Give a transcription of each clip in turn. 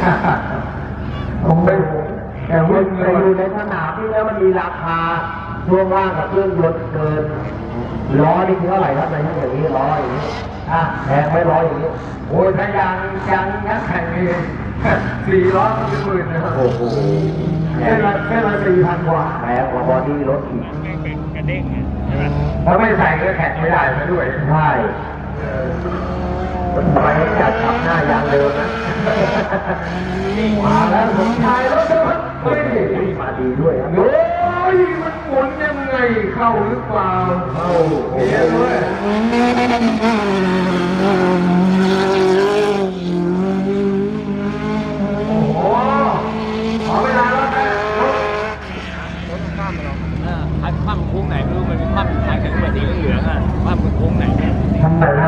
ผมไปแต่วิ่งไปอยู่ในสนามที่แล้วมันมีราคาช่วงล่างกับเครื่องยนต์เกินล้อนี่คือเท่าไหร่ครับในที่อย่างนี้ล้ออย่างนี้แพงไม่ล้ออย่างนี้โอ้ยถ้ายางนักแข่งนี่400มันเป็นหมื่นนะครับโอ้โหแค่ละ4,000 กว่าแพงกว่าบอดี้รถอีกกระเด้งใช่ไหมถ้าไม่ใส่ก็แข่งไม่ได้ซะด้วยใช่คนไปจัดขับหน้ายางเดิมนะมาแล้วผมชายรถด้วยเฮ้ยมาดีด้วยโอ้ยมันหมุนยังไงเข้าหรือเปล่าเข้าเฮียด้วยโอ้โหขอเวลาแล้วนะรถข้ามมาแล้วพัดข้ามโค้งไหนไม่รู้มันเป็นข้ามท้ายแข็งแบบสีเหลืองอ่ะข้ามโค้งไหนทำไมนะ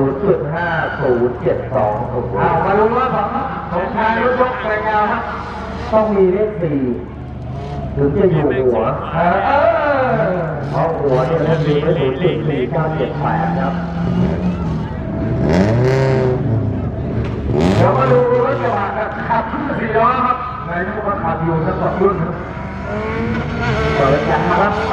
0.5072มาลุ้นว่าของชายรถยกไปยาวครับต้องมีเลข4ถึงจะอยู่หัวเพราะหัวเนี่ยเลข4ไม่0.4978ครับเดี๋ยวมาดูรถกระบะขับ4 ล้อครับนายกก็ขับอยู่ทั้ง2 รุ่นเปิดยางครับแหม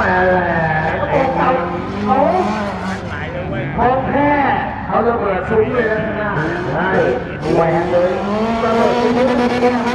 เขาของแค่เขาระเบิดซุ้มเลยนะใช่แหวกเลยระเบิดซุ้ม